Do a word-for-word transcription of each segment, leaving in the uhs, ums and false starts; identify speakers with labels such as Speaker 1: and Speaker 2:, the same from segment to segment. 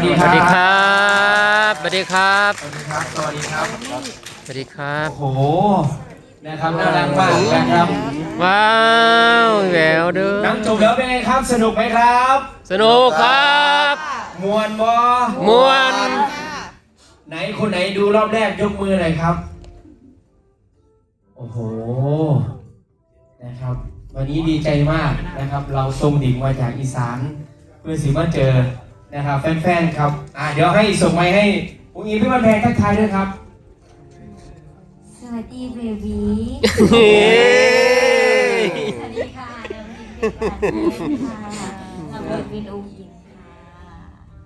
Speaker 1: ดี
Speaker 2: ส
Speaker 1: ค
Speaker 2: วั
Speaker 1: รั
Speaker 2: ส
Speaker 1: บ
Speaker 2: ดีครับสวัสดีครับ
Speaker 1: สวัสดีครับ สวัสดีครับ
Speaker 2: สวัสดีครับ
Speaker 1: โอ้โห นะครับน่ารักมากนะครับ
Speaker 2: ว้าวแหววเด้อ
Speaker 1: หนังจบแล้วเป็นไงครับ สนุกไหมครับ
Speaker 2: สนุกครับ
Speaker 1: มวนบอ
Speaker 2: มวน
Speaker 1: ไหนคนไหนดูรอบแรกยกมือหน่อยครับ โอ้โห นะครับ วันนี้ดีใจมากนะครับ เราทรงดิ่งมาจากอีสานเพื่อสิมาเจอนะครับแฟนๆครับ อ่าเดี๋ยวให้ส่งไมค์ให้ผู้หญิงพี่วันแพงทักทายด้วยครับ
Speaker 3: สวัสดีเบบี
Speaker 2: เฮ้
Speaker 3: สวัสดีค่ะเดี๋ยววินเป็นค่ะเราเบิร์วินอูยิงค่ะ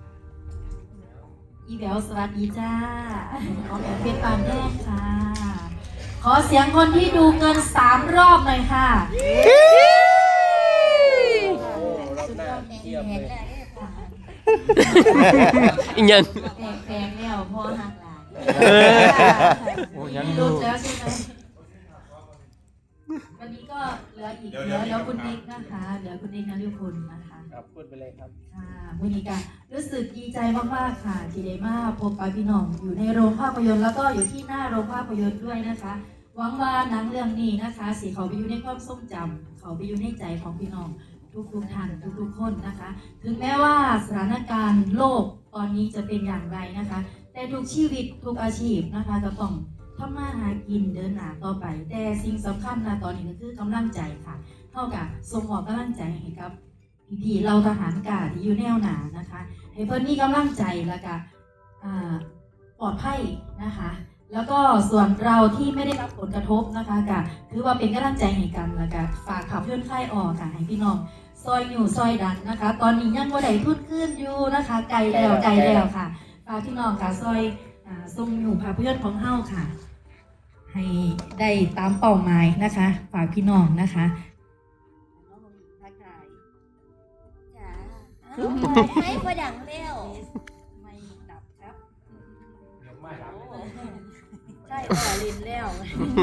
Speaker 3: อีแบลสวัสดีจ้าขอแบบเป็นปานแรกค่ะ ขอเสียงคนที่ดูเกินสามรอบหน่อยค่ะสุดยอดเยี่ยมเลย
Speaker 2: อีกยัง
Speaker 3: แปลกๆแล้วพ่อหักหลาน
Speaker 2: เออ
Speaker 3: โอ้ยังดูแล้วใช่ไหมวันนี้ก็เหลืออีกเหลือเหลือคุณนิกนะคะเหลือคุณนิกนฤพลนะคะ
Speaker 1: ครับพูดไปเลยครับ
Speaker 3: ค่ะวันนี้ก็รู้สึกดีใจมากๆค่ะที่ได้มาพบปะพี่น้องอยู่ในโรงภาพยนตร์แล้วก็อยู่ที่หน้าโรงภาพยนตร์ด้วยนะคะหวังว่าหนังเรื่องนี้นะคะสีเขาไปอยู่ในความทรงจำเขาไปอยู่ในใจของพี่น้องทุกๆท่านทุกๆคนนะคะ ถึงแม้ว่าสถานการณ์โลกตอนนี้จะเป็นอย่างไรนะคะ แต่ทุกชีวิตทุกอาชีพนะคะจะต้องทำมาหากินเดินหน้าต่อไป แต่สิ่งสำคัญนะตอนนี้ก็คือกำลังใจค่ะเท่ากับส่งมอบกำลังใจให้กับพี่ๆเราทหารกาที่อยู่แนวหนานะคะให้เพื่อนมีกำลังใจแล้วก็ปลอดภัยนะคะ แล้วก็ส่วนเราที่ไม่ได้รับผลกระทบนะคะก็ถือว่าเป็นกำลังใจให้กันแล้วก็ฝากขับเพื่อนค่ายออกค่ะให้พี่น้องซอยอยู่ซอยดันนะคะ ตอนนี้ยังบ่ได้ทุนขึ้นอยู่นะคะไกลแล้วไกลแล้วค่ะฝากพี่น้องค่ะซอยทรงอยู่ภาพยนตร์ของเฮาค่ะให้ได้ตามเป้าหมายนะคะฝากพี่น้องนะคะทักทาย
Speaker 4: จ้าไม่พอดังเร็ว
Speaker 3: ไม่ดับครับ
Speaker 1: ยังไม่รับ
Speaker 3: ใช่ต่อลินแล้วสวัสดี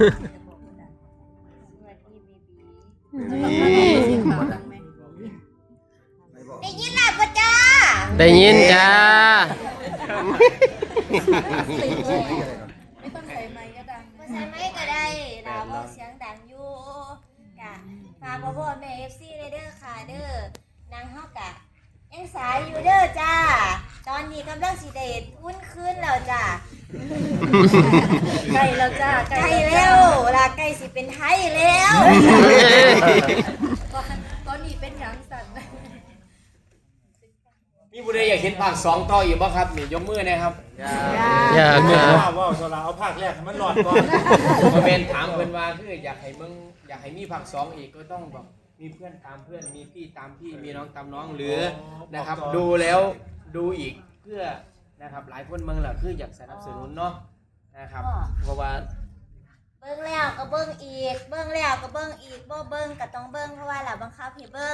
Speaker 3: เบบี
Speaker 4: ได้ยินหลับปะจ้า
Speaker 2: ได้ยินจ้า
Speaker 3: ไม่ต้องใส่ไมค์ก็ดัง
Speaker 4: บ่ใช่ไหมก็ได้ดาวบอกเสียงดังอยู่กะฝากพ่อพ่อแม่เอฟซีเด้อค่ะเด้อนางเฮากะยังสายอยู่เด้อจ้า ตอนนี้กำลังสิได้วุ้นคืนแล้วจ้า
Speaker 3: ใกล้แล้วจ้า
Speaker 4: ใกล้แล้วลาใกล้สิเป็นไทยแล้ว
Speaker 3: ตอนนี้เป็นหยังสั่น
Speaker 1: มีบุรีอยากเห็นภาคสองต่ออีกบ้างครับนี่ยกมือนะครับ
Speaker 2: อยาก
Speaker 5: ไม่
Speaker 2: ครับ
Speaker 5: ว่าว่าโซลาเอาภาคแรกให้มันหลอดก่อน
Speaker 1: มาเป็นถามเพื่อนว่าคืออยากให้มึงอยากให้มีภาคสองอีกก็ต้องแบบมีเพื่อนตามเพื่อนมีพี่ตามพี่มีน้องตามน้องหรือนะครับ ดูแล้วดูอีกเพื่อนะครับหลายคนเมืองแหละคืออยากสนับสนุนเนาะนะครับ เพราะว่า
Speaker 4: เบิ่งแล้วก็เบิ่งอีก เบิ่งแล้วก็เบิ่งอีกบ่เบิ่งก็ต้องเบิ่งเพราะว่าล่ะบังคับให้เบิ่ง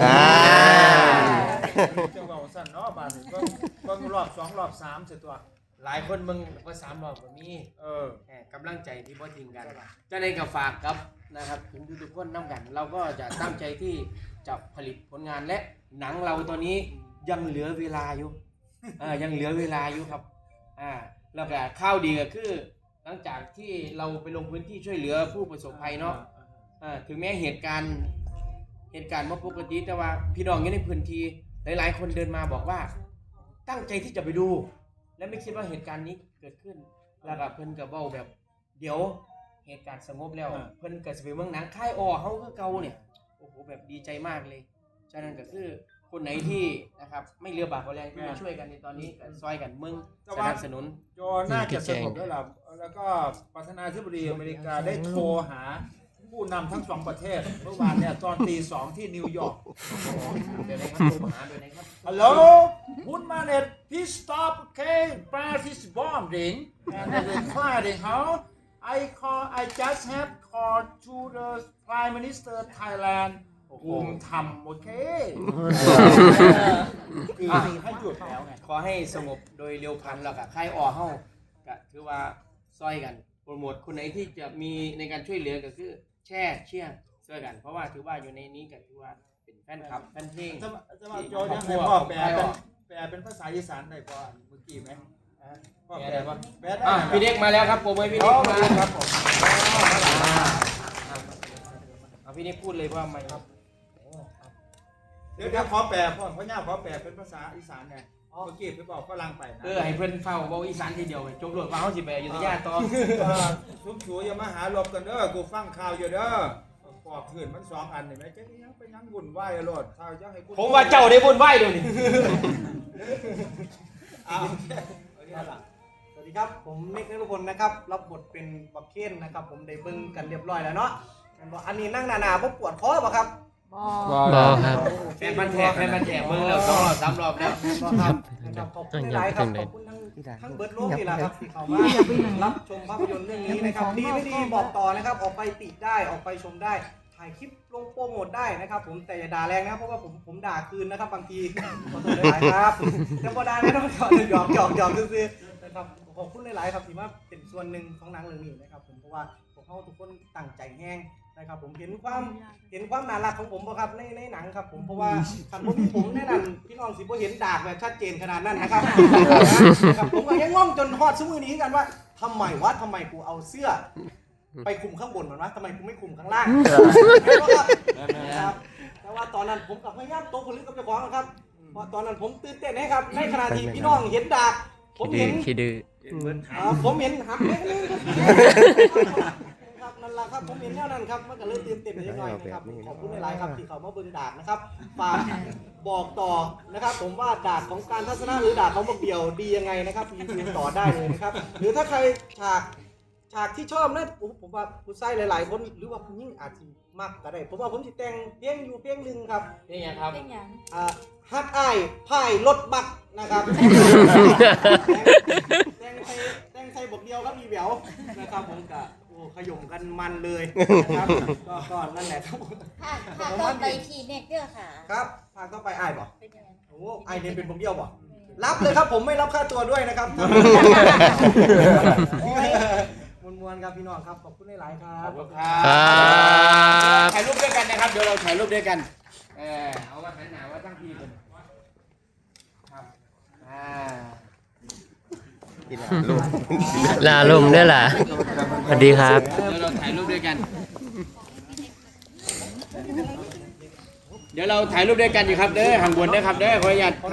Speaker 5: เจ้าเก่าสั้นเนาะบาดนี้เบิ่งเบิ่งรอบสองรอบสามเสียตัว
Speaker 1: หลายคนเมืองก็สามรอบก็มี
Speaker 5: เออ
Speaker 1: แหม่กำลังใจที่พ่ทิ้งกันจะได้กับฝากครับนะครับถึงทุกๆคนน้ำกัน เราก็จะตั้งใจที่จะผลิตผลงานและหนังเราตอนนี้ยังเหลือเวลาอยู่อ่ายังเหลือเวลาอยู่ครับอ่าแล้วก็ข้าวดีก็คือ หลังจากที่เราไปลงพื้นที่ช่วยเหลือผู้ประสบภัยเนาะอ่าถึงแม้เหตุการณ์เหตุการณ์ว่าปกติแต่ว่าพี่น้องอยู่ในพื้นที่หลายๆ คนเดินมาบอกว่า ตั้งใจที่จะไปดู และไม่คิดว่าเหตุการณ์นี้เกิดขึ้นแล้วก็เพิ่นก็เว้าแบบ เดี๋ยวเหตุการณ์สงบแล้วเพิ่นก็สิไปเมืองหนังค่ายอ้อเฮาคือเก่าเนี่ยโอ้โหแบบดีใจมากเลยฉะนั้นก็คือคนไหนที่นะครับไม่เรือบากกว่าแรงที่มาช่วยกันในตอนนี้ก็ซอยกันมึงสนับสนุน
Speaker 5: จอน่าจะสงบแล้วล่ะแล้วก็ประธานาธิบดีอเมริกาได้โทรหาผู้นำทั้งสองประเทศเมื่อวานเนี่ยตอนตีสองที่นิวยอร์ก
Speaker 1: เดี๋ยวนะครับโทรมาหาด้วยนะครับ
Speaker 5: Hello one minute please stop okay fire is bombing and the fighting how I call I just have called to the Prime Minister Thailand ภูมิธรรมโอเคคือให้หยุดแล้วไง
Speaker 1: ขอให้สงบโดยเร็วพลันแล้วก็ค่ายอ้อเฮาก็ถือว่าซอยกันโปรโมทคนไหนที่จะมีในการช่วยเหลือก็คือแช่เชี่ยช่วยกัน เพราะว่าถือว่าอยู่ในนี้ก็ถือว่าเป็นแฟนคลับแฟนเพลง
Speaker 5: จะมาจะมาโจยังให้พ่อแปลเป็นแปลเป็นภาษาอีสานได้พอเมื่อกี้ไหมอ่าพ่อแปลว่าแปลได้
Speaker 1: อ่ะพี่เด็กมาแล้วครับผมให้พี่
Speaker 5: โอ้
Speaker 1: เด็กมา
Speaker 5: ครับผม
Speaker 1: เอาพี่เด็กพูดเลยว่าไม่ครับ
Speaker 5: เดี๋ยวเดี๋ยวขอแปลพ่อพ่อย่าขอแปลเป็นภาษาอีสานไงเมื่อกี้ไปบอกฝรั่งไปนะ
Speaker 1: เออให้เพื่อนเฝ้าเว้าอีสานทีเดียวจบรวดว่าเขาสิไปอยุธยาต่อ
Speaker 5: ทุกชูอย่ามาหาลบกันเด้อกูฟังข่าวอยู่เด้อปอบขืนมันสองอันนี่ไหมเจ๊ยังไปยังวุ่นวายอะโลดถ้าจะให้กู
Speaker 1: ผมว่าเจ้าได้บุญไหวเดี๋ยวนี้
Speaker 5: เอาเอาเนี่ยล่ะ
Speaker 6: สวัสดีครับผมเมฆนฤพลนะครับรับบทเป็นบักเคนนะครับผมได้เบิ่งกันเรียบร้อยแล้วเนาะแม่นบ่อันนี้นั่งหนาๆบ่ปวดคอบ่ครับ
Speaker 2: บอครับ
Speaker 1: แฟนมันแทกแฟนมันแทกเบิ่งแล้วสองรอบสามรอบแล้ว
Speaker 6: บ่ครับนะครับขอบคุณหลายๆครับขอบคุณทั้งทั้งเบิร์ดโลกนี่แหละครับที่เข้ามารับชมภาพยนตร์เรื่องนี้นะครับดีไม่ดีบอกต่อนะครับออกไปติได้ออกไปชมได้ถ่ายคลิปลงโปรโมทได้นะครับผมแต่อย่าด่าแรงนะครับเพราะว่าผมผมด่าคืนนะครับบางทีขอโทษหลายๆครับแต่บ่ด่าแน่นอนครับหยอกหยอกหยอกซื่อๆนะครับขอบคุณหลายๆครับที่มาเป็นส่วนหนึ่งของหนังเรื่องนี้นะครับผมเพราะว่าพวกเขาทุกคนตั้งใจแห้งนะครับผมเห็นความเห็นความน่ารักของผมบ่ครับในในหนังครับผมเพราะว่าคันบ่มีผมแน่นอนพี่น้องสิบ่เห็นดากแบบชัดเจนขนาดนั้นนะครับ นะครับผมก็ยังงงจนฮอดซุมื้อนี้กันว่าทำไมวะทำไมกูเอาเสื้อ ไปคุมข้างบนมันวะทำไมกูไม่คุมข้างล่างครับแต่ว่าตอนนั้นผมกับพยายามโตคนลึกกับเจ้าของครับเพราะตอนนั้นผมตื่นเต้นนะครับในขณะที่พี่น้องเห็นดากผม
Speaker 2: ขี้ดื้
Speaker 6: เห็
Speaker 2: อน ขี้ดื้อ
Speaker 6: อ่าผมเห็นหักเล็กนึงครับนั่นแหละครับผมเห็นแนวนั้นครับมันก็เลยตื่นเต้นไปนิดหน่อยนะครับขอบคุณหลายๆครับที่เขามาเบิ่งดากนะครับฝากบอกต่อนะครับ ผมว่าดากของการทัศนะหรือดากของบักเดี่ยวดียังไงนะครับรีวิวต่อได้เลยนะครับหรือถ้าใครฉากฉากที่ชอบนะผมผมว่าผู้ชายหลายๆคนหรือว่าผู้หญิงอาจจะมากก็ได้ผมว่าผมจะแต่งเพลงอยู่เพลงหนึ่งครับ
Speaker 1: นี่ไงครับ
Speaker 4: เป็นหยัง
Speaker 6: อ่าฮักอ้ายพายรถบักนะครับ แตงไทยแตงไทยบทเดียวครับมีแหววนะครับผมกะโอ้ขย่มกันมันเลยนะครับก็ก็นั่นแหละครับ
Speaker 4: ภาคภาคต่อไปพี่เน็กเด้อค่ะ
Speaker 6: ครับทางต้องไปอ้ายบ่
Speaker 4: เป็นหยัง
Speaker 6: โอ้อ้ายเรียนเป็นผมเดียวบ่รับเลยครับผมไม่รับค่าตัวด้วยนะครับมวนมวนๆครับพี่น้องครับขอบคุณหลายๆครั
Speaker 1: ข
Speaker 6: บ
Speaker 1: อบคุณครั
Speaker 2: ครับ บ
Speaker 1: ถ่ายรูปด้วยกันนะครับ เดี๋ยวเราถ่ายรูปด้วยกัน เออเอาว่าหันหน้าว่าตั้งทีกันครับ อ่า
Speaker 2: ลาลมด้วยล่ะสวัสดีครับ
Speaker 1: เดี๋ยวเราถ่ายรูปด้วยกัน เดี๋ยวเราถ่ายรูปด้วยกันอยู่ครับเด้อห่างบนเด้อครับเด้อขออนุญาต